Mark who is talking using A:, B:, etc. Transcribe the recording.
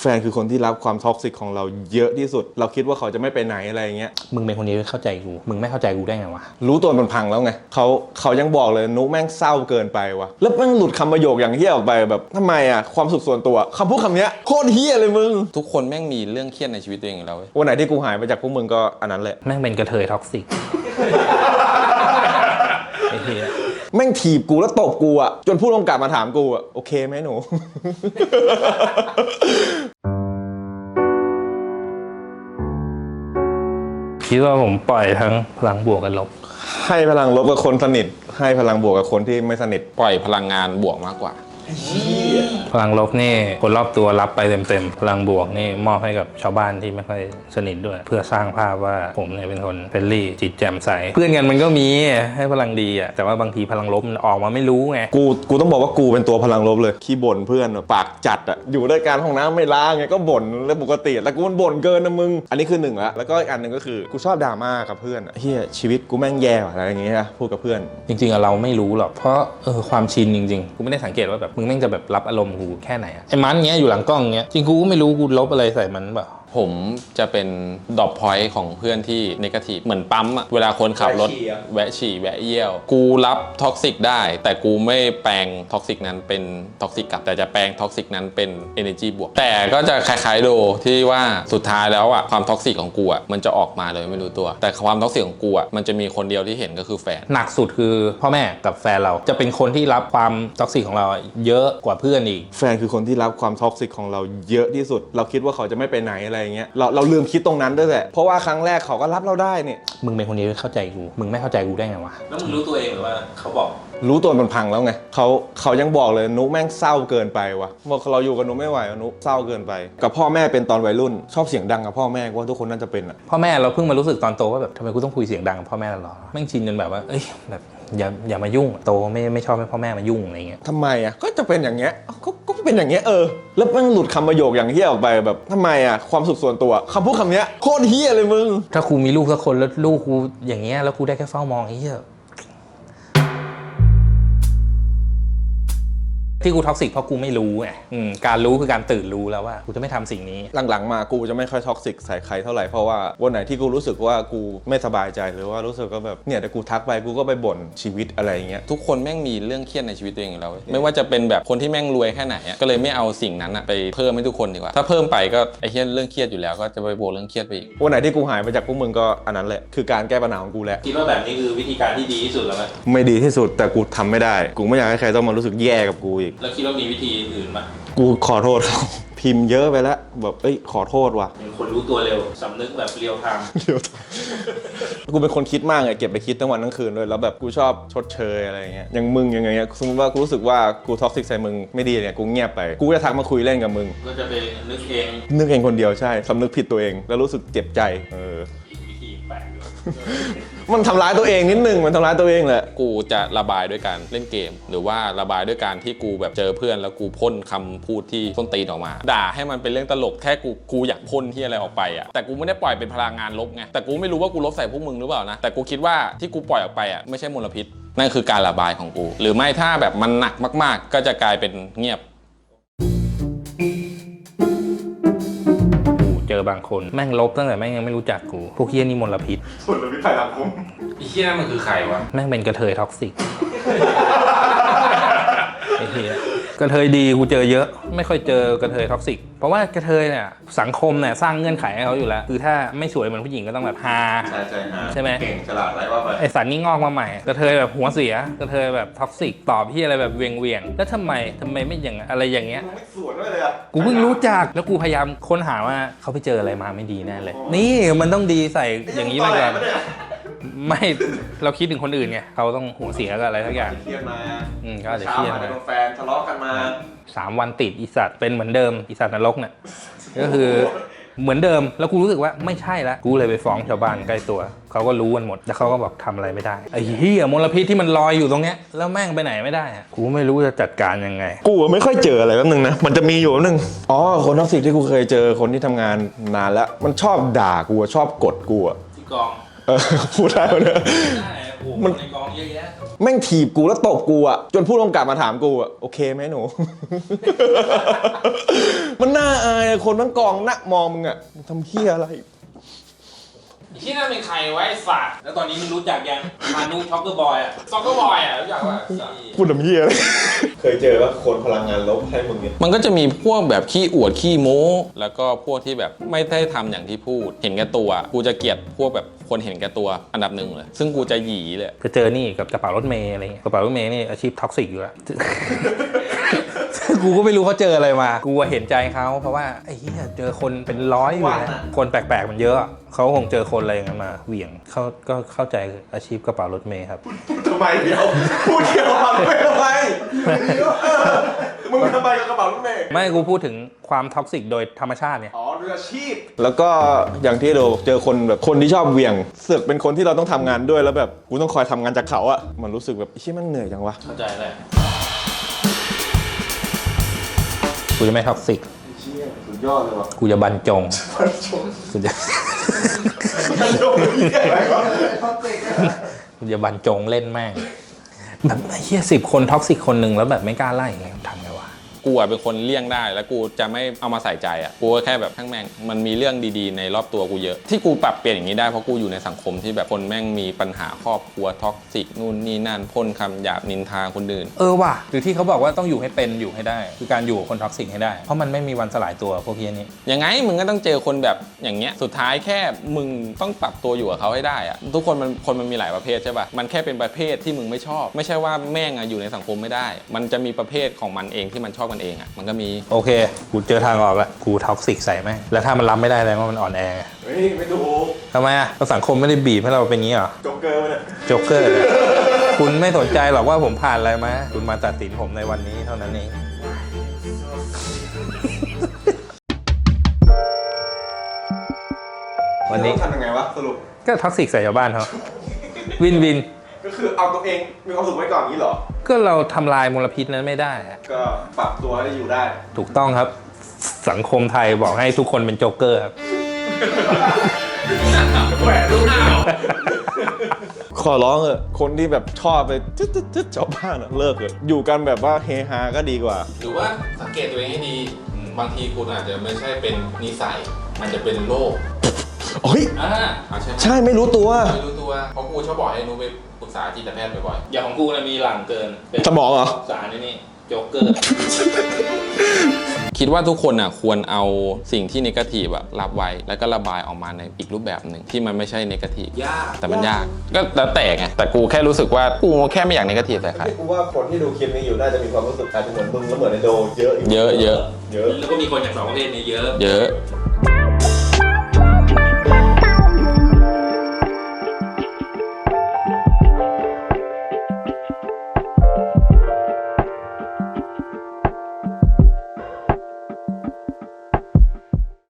A: แฟนคือคนที่รับความท็อกซิกของเราเยอะที่สุดเราคิดว่าเขาจะไม่ไปไหนอะไรเงี้ย
B: มึงเป็นคนนี้เข้าใจกูมึงไม่เข้าใจกูได้ไงวะ
A: รู้ตัวมันพังแล้วไงเขายังบอกเลยนุแม่งเศร้าเกินไปวะแล้วแม่งหลุดคำประโยคอย่างเฮี้ยออกไปแบบทำไมอ่ะความสุขส่วนตัวคำพูดคำนี้โคตรเฮี้ยเลยมึง
C: ทุกคนแม่งมีเรื่องเครียดในชีวิตตัวเองอยู่แล้ว
A: วันไหนที่กูหายไปจากพวกมึงก็อันนั้นแหละ
B: แม่งเป็นกระเทยท็อกซิกไอ้เหี้ย
A: แม่งถีบกูแล้วตบกูอ่ะจนผู้กำกับมาถามกูอ่ะโอเคไหมหนู
B: คิดว่าผมปล่อยทั้งพลังบวกกับลบ
A: ให้พลังลบกับคนสนิทให้พลังบวกกับคนที่ไม่สนิท
C: ปล่อยพลังงานบวกมากกว่า
B: พลังลบนี่คนรอบตัวรับไปเต็มๆพลังบวกนี่มอบให้กับชาวบ้านที่ไม่ค่อยสนิทด้วยเพื่อสร้างภาพว่าผมเนี่ยเป็นคนเฟรนลี่จิตแจ่มใสเพื่อนกันมันก็มีให้พลังดีอ่ะแต่ว่าบางทีพลังลบมันออกมาไม่รู้ไง
A: กูต้องบอกว่ากูเป็นตัวพลังลบเลยขี้บ่นเพื่อนปากจัดอ่ะอยู่ด้วยกันห้องน้ำไม่ล้างไงก็บ่นเรื่องปกติแล้วกูมันบ่นเกินนะมึงอันนี้คือหนึ่งแล้วก็อีกอันหนึ่งก็คือกูชอบดราม่ากับเพื่อนเฮียชีวิตกูแม่งแย่อะไรอย่างเงี้ยพูดกับเพื่อน
B: จริงๆเราไม่รู้หรอกเพราะความชินจริงๆกูไม่ได้สังเกตว่าแบบมึงแม่งจะแบบรับอารมณ์กูแค่ไหนอะไอ้มันเงี้ยอยู่หลังกล้องเงี้ยจริงกูก็ไม่รู้กูลบอะไรใส่มันเปล่า
C: ผมจะเป็นดรอปพอยต์ของเพื่อนที่เนกาทีฟเหมือนปั๊มอะเวลาคนขับรถแวะฉี่แวะเยี่ยวกูรับท็อกซิกได้แต่กูไม่แปลงท็อกซิกนั้นเป็นท็อกซิกกลับแต่จะแปลงท็อกซิกนั้นเป็น energy บวกแต่ก็จะคล้ายๆโดที่ว่าสุดท้ายแล้วอะความท็อกซิกของกูอะมันจะออกมาเลยไม่รู้ตัวแต่ความท็อกซิกของกูอะมันจะมีคนเดียวที่เห็นก็คือแฟน
B: หนักสุดคือพ่อแม่กับแฟนเราจะเป็นคนที่รับความท็อกซิกของเราเยอะกว่าเพื่อนอีก
A: แฟนคือคนที่รับความท็อกซิกของเราเยอะที่สุดเราคิดว่าเขาจะไม่ไปไหนอะไรเงี้ยเราลืมคิดตรงนั้นด้วยแหละเพราะว่าครั้งแรกเขาก็รับเราได้เนี่ย
B: มึงเป็นคนนี้เข้าใจกูมึงไม่เข้าใจกูได้ไงวะแล้วมึงรู้ตัวเองหรือว่าเขาบอก
A: รู้ตัวมันพังแล้วไงเขายังบอกเลยนุแม่งเศร้าเกินไปวะบอกเราอยู่กับนุไม่ไหวนุเศร้าเกินไปกับพ่อแม่เป็นตอนวัยรุ่นชอบเสียงดังกับพ่อแม่ว่าทุกคนน่าจะเป็นอ่ะ
B: พ่อแม่เราเพิ่งมารู้สึกตอนโตว่าแบบทำไมกูต้องคุยเสียงดังกับพ่อแม่ตลอดแม่งชินจนแบบว่าเอ้ยแบบอย่ามายุ่งโตไม่ชอบให้พ่อแม่มายุ่งอะไรเงี้ย
A: ทำไมอ่ะก็จะเป็นอย่างเงี้ยก็เป็นอย่างเงี้ยแล้วแม่งหลุดคำประโยคอย่างเฮี้ยออกไปแบบทำไมอ่ะความสุขส่วนตัวคำพูดคำนี้โคตรเฮี้ยเลยมึง
B: ถ้ากูมีลูกสักคนแล้วลูกกูอย่างเงี้ยแล้วกูได้แค่เฝ้ามองเฮี้ยที่กูท็อกซิกเพราะกูไม่รู้ไงการรู้คือการตื่นรู้แล้วว่ากูจะไม่ทำสิ่งนี้
A: หลังๆมากูจะไม่ค่อยท็อกซิกใส่ใครเท่าไหร่เพราะว่าวันไหนที่กูรู้สึกว่ากูไม่สบายใจหรือว่ารู้สึกก็แบบเนี่ยแต่กูทักไปกูก็ไปบ่นชีวิตอะไรอย่างเงี้ย
C: ทุกคนแม่งมีเรื่องเครียดในชีวิตตัวเองอยู่แล้วไม่ว่าจะเป็นแบบคนที่แม่งรวยแค่ไหนก็เลยไม่เอาสิ่งนั้นไปเพิ่มให้ทุกคนดีกว่าถ้าเพิ่มไปก็ไอ้เรื่องเครียดอยู่แล้วก็จะไปบวกเรื่องเครียดไปอีก
A: วันไหนที่กูหายไปจากพวกมึงก็อันนั้นแหละคือการแก้ปัญหาของกูแหละ
B: คิดว่าแบบนี้คือวิธีการที่ดีที่สุดแล้วไหม
A: ไม่ดีที่สุดแต่กูทำไม่ได้กูไม่อยากให้ใครต้องมารู้สึกแย่กับกูอีก
B: แล้วคิดว่ามีวิธีอื่นไหม
A: กูขอโทษเขาพิมพ์เยอะไปแล้วแบบขอโทษว่ะ
B: เป็นคนรู้ตัวเร็วสำนึกแบบเรียวไทม์
A: กูเป็นคนคิดมากไงเก็บไปคิดทั้งวันทั้งคืนเลยแล้วแบบกูชอบชดเชยอะไรเงี้ยอย่างมึงอย่างเงี้ยสมมติว่ากูรู้สึกว่ากูท็อกซิกใส่มึงไม่ดีเนี่ยกูเงียบไปกูจะทักมาคุยเล่นกับมึง
B: ก็จะไปนึกเอง
A: คนเดียวใช่สำนึกผิดตัวเองแล้วรู้สึกเจ็บใจ
B: วิธีแปลก
A: มันทำร้ายตัวเองนิดนึงมันทำร้ายตัวเองแหละ
C: กูจะระบายด้วยการเล่นเกมหรือว่าระบายด้วยการที่กูแบบเจอเพื่อนแล้วกูพ่นคำพูดที่ส้นตีนออกมาด่าให้มันเป็นเรื่องตลกแค่กูอยากพ่นที่อะไรออกไปอ่ะแต่กูไม่ได้ปล่อยเป็นพลังงานลบไงแต่กูไม่รู้ว่ากูลบใส่พวกมึงหรือเปล่านะแต่กูคิดว่าที่กูปล่อยออกไปอ่ะไม่ใช่มลพิษนั่นคือการระบายของกูหรือไม่ถ้าแบบมันหนักมากๆก็จะกลายเป็นเงียบ
B: เจอบางคนแม่งลบตั้งแต่แม่งยังไม่รู้จักกูพวกเฮี้ยนี่มลพิษ
A: ภัยสังคม
B: ไอ้เฮี้ยมันคือใครวะแม่งเป็นกระเทยท็อกซิกไอ้เฮี้ยกระเทยดีกูเจอเยอะไม่ค่อยเจอกระเทยท็อกซิกเพราะว่ากระเทยเนี่ยสังคมเนี่ยสร้างเงื่อนไขให้เขาอยู่แล้วคือถ้าไม่สวยเหมือนผู้หญิงก็ต้องแบบฮาใช่ไหม
A: เก่งฉลาดอะไรว่าไป
B: ไอสันนี่งอกมาใหม่กระเทยแบบหัวเสียกระเทยแบบท็อกซิกตอบที่อะไรแบบเวียงแล้วทำไมไม่อย่างอะไรอย่างเงี้ย
A: ไม่สวนด้วยเลยอ่ะ
B: กูเพิ่งรู้จักแล้วกูพยายามค้นหาว่าเขาไปเจออะไรมาไม่ดีแน่เลยนี่มันต้องดีใส่อย่างนี้ไปก่อนไม่เราคิดถึงคนอื่นไงเขาต้องหัวเสียกับอะไรทักอย่าง
A: เครียดมา
B: ก็อาจจะเครียด
A: มาแฟนทะเลาะกันมา
B: 3 วันติดอีสัตว์เป็นเหมือนเดิมอีสัตว์นรกเนี่ยก็คือเหมือนเดิมแล้วกูรู้สึกว่าไม่ใช่ละกูเลยไปฟ้องชาวบ้านใกล้ตัวเขาก็รู้กันหมดแล้วเขาก็บอกทำอะไรไม่ได้ไอ้เหี้ยมลพิษที่มันลอยอยู่ตรงเนี้ยแล้วแม่งไปไหนไม่ได้อะกูไม่รู้จะจัดการยังไง
A: กูไม่ค่อยเจออะไรแป๊บนึงนะมันจะมีอยู่แป๊บนึงคนท็อกซิกที่กูเคยเจอคนที่ทำงานนานแล้วมันชอบด่ากูชอบกดกู
B: ที่กอง
A: พูดได้ไหมเนี่ยมัน
B: ในกองเยอะแยะ
A: แม่งถีบกูแล้วตบกูอ่ะจนผู้กำกับมาถามกูอ่ะโอเคไหมหนู มันน่าอายอะคนทั้งกองนักมองมึงอ่ะมึงทำเหี้ยอะไร
B: ที่นั่นเป็นใครไว้ฝาดแล้วตอนนี้มึงรู้จักยังมานุช็อกเกอร์บอยอะช็อกเกอร์บอยอะรู้จักว่า
A: พูดทำเหี้ยอะไร เคยเจอว่าคนพลังงานลบให้มึงเนี่ย
C: มันก็จะมีพวกแบบขี้อวดขี้โม้แล้วก็พวกที่แบบไม่ได้ทำอย่างที่พูดเห็นแก่ตัวกูจะเกลียดพวกแบบคนเห็นแก่ตัวอันดับหนึ่งเลยซึ่งกูจะหยีเลย
B: ก็เจอนี่กับกระเป๋ารถเมย์อะไรเงี้ยกระเป๋ารถเมย์นี่อาชีพท็อกซิกอยู่แล้ว กูก็ไม่รู้เขาเจออะไรมา กูเห็นใจเขาเพราะว่าไอ้เหี้ยเจอคนเป็นร้อยอยู่นะคนแปลกๆมันเยอะเขาคงเจอคนอะไรอย่างนั้นมาเหวี่ยงเขาก็เข้าใจอาชีพกระเป๋ารถเมย์ครับ
A: ทำไมเดี๋ยวพูดเกี่ยวกับไม่ทำไมมึงทำไมกับกระเป๋ารถเมย์
B: ไม่กูพูดถึงความท็อกซิกโดยธรรมชาติเนี่ย
A: อ๋อด้วยอาชีพแล้วก็อย่างที่เราเจอคนแบบคนที่ชอบเหวี่ยงเสือกเป็นคนที่เราต้องทำงานด้วยแล้วแบบกูต้องคอยทำงานจากเขาอะมันรู้สึกแบบไอ้เชี่ยมันเหนื่อยจังวะ
B: เข้าใจเลยกูจะไม่ท็อกซิก
A: เชี่ยสุดยอดเลยวะ
B: กูจะบรรจงกูจะ กูจะบรรจงเล่นแม่งแบบไอ้เหี้ย10 คนท็อกซิกคนหนึ่งแล้วแบบไม่กล้าไล่อย่างเงี้ยทำไงวะ
C: กูอะเป็นคนเลี่ยงได้แล้วกูจะไม่เอามาใส่ใจอ่ะกูก็แค่แบบทั้งแม่งมันมีเรื่องดีๆในรอบตัวกูเยอะที่กูปรับเปลี่ยนอย่างนี้ได้เพราะกูอยู่ในสังคมที่แบบคนแม่งมีปัญหาครอบครัวท็อกซิกนู่นนี่นั่นพ่นคำหยาบนินทาคนอื่น
B: ว่ะหรือที่เขาบอกว่าต้องอยู่ให้เป็นอยู่ให้ได้ คือการอยู่กับคนท็อกซิกให้ได้ เพราะมันไม่มีวันสลายตัวพวกเฮียนี้
C: ยังไงมึงก็ต้องเจอคนแบบอย่างเงี้ยสุดท้ายแค่มึงต้องปรับตัวอยู่กับเขาให้ได้อะทุกคนมันมีหลายประเภทใช่ป่ะมันแค่เป็นประเภทที่มึงไม่ชอบไม่ใช่ว่าแม่งอะอยู่ในสังคมไม่ได้ มันจะมีประเภทของมันเองที่มันชอบมันเองอะมันก็มี
B: โอเค กูเจอทางออกแล้วกูท็อกซิกใส่แม่งแล้วถ้ามันรับไม่ได้แล้วว่ามันอ่อนแอ
A: เฮ้ยไม่ดู
B: ทำไมอ่ะสังคมไม่ได้บีบให้เราเป็นงี้เหรอ
A: โจ๊กเกอร์เนี่ย
B: โจ๊กเกอร์เนี่ยคุณไม่สนใจหรอกว่าผมผ่านอะไรมาคุณมาตัดสินผมในวันนี้เท่านั้นเองวันนี้
A: ทำยังไงวะสรุป
B: ก็ท็อกซิกใส่ชาวบ้านเขาวินวิน
A: ก็คือเอาตัวเองมีความสุขไว้ก่อนนี้เหรอ
B: ก็เราทำลายมลพิษนั้นไม่ได้อะ
A: ก็ปรับตัวให้อยู่ได้
B: ถูกต้องครับ สังคมไทยบอกให้ทุกคนเป็นโจ๊กเกอร์ครับ
A: แหวนลูกหน้าขอร้องเถอะคนที่แบบชอบไปจึ๊ดชาวบ้านอะเลิกเถอะอยู่กันแบบว่าเฮฮาก็ดีกว่า
C: หรือว่าสังเกตตัวเองให้ดีบางทีคุณอาจจะไม่ใช่เป็นนิสัยมันจะเป็นโรค
A: เฮ้ย
C: ใช่ไหม
A: ใช่ไม่รู้ตัว
C: ไม่รู้ตัวเพราะกูชอบบอกให้นูไปปรึกษาจิตแพทย์บ่อย
B: อย่างของกูนะมีหลังเกินเป็น
A: สมองเหรอ
B: สารนี่โจ๊กเกอร์
C: ๆคิดว่าทุกคนอ่ะควรเอาสิ่งที่เนกาทีฟอะรับไว้แล้วก็ระบายออกมาในอีกรูปแบบหนึ่งที่มันไม่ใช่เนกาทีฟ
B: ยาก
C: แต่มันยากก็แล้วแต่ไงแต่กูแค่รู้สึกว่ากูแค่ไม่อยากเนกาทีฟใส่ใคร
A: กูว่าคนที่ดูคลิปนี้อยู่น่าจะมีความรู้สึกอาจจะเหมือนมึงแล้วเหมือนในโดเยอะอยู่
C: เยอะ
A: เยอะ
B: แล้วก็มีคนอย่างสองประเภทนี้เยอะ
C: เยอะ